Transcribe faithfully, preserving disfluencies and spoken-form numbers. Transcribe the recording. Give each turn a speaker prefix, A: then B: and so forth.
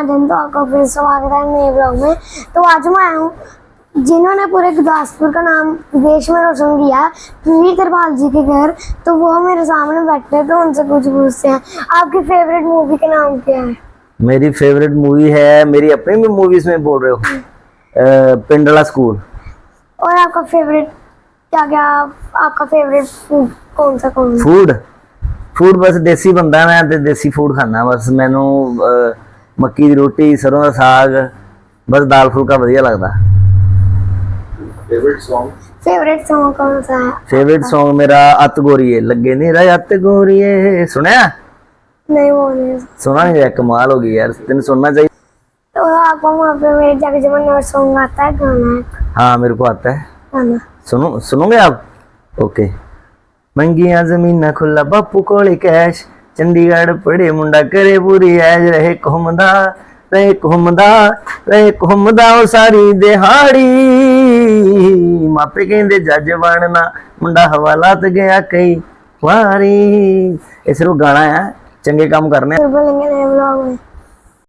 A: महाजन, तो आपका फिर स्वागत है नए ब्लॉग में। तो आज मैं आया हूँ जिन्होंने पूरे गुरदासपुर का नाम देश में रोशन किया, वीर कृपाल जी के घर। तो वो मेरे सामने बैठे हैं, तो उनसे कुछ पूछते हैं। आपकी फेवरेट मूवी का नाम क्या है?
B: मेरी फेवरेट मूवी है, मेरी अपनी भी मूवीज में बोल रहे हो, पिंडला स्कूल।
A: और आपका फेवरेट क्या क्या आपका फेवरेट फूड कौन सा कौन सा?
B: फूड फूड बस देसी बंदा मैं ते देसी फूड खाना। बस मैनू अ, मक्की दी रोटी, सरों दा साग, बस दाल फुल्का वधिया लगदा।
C: फेवरेट सॉन्ग
A: फेवरेट सॉन्ग कौन सा है?
B: फेवरेट सॉन्ग मेरा अत गोरीए लगे नहीं रहा अत गोरीए। सुनया?
A: नहीं, वो नहीं।
B: सुना नहीं? कमाल हो गई यार, तेन सुनना चाहिए।
A: तो आपको वहाँ पे मेरे जाके जमाने और सॉन्ग आता है, गाना है?
B: हाँ मेरे को आता है।
A: गाना
B: सुनो सुनोगे आप? ओके। मंगिया जमीना खुला बापू कोले कैश, चंडीगढ़ पड़े मुंडा करे पूरी ऐज, रहे घूमदा रहे घूमदा रहे घूमदा ओ सारी दिहाड़ी, मापे कहंदे जज बनना मुंडा हवालात गया कई वारी। इस गाना है, चंगे काम करने।
A: फिर बोलेंगे नए ब्लॉग में।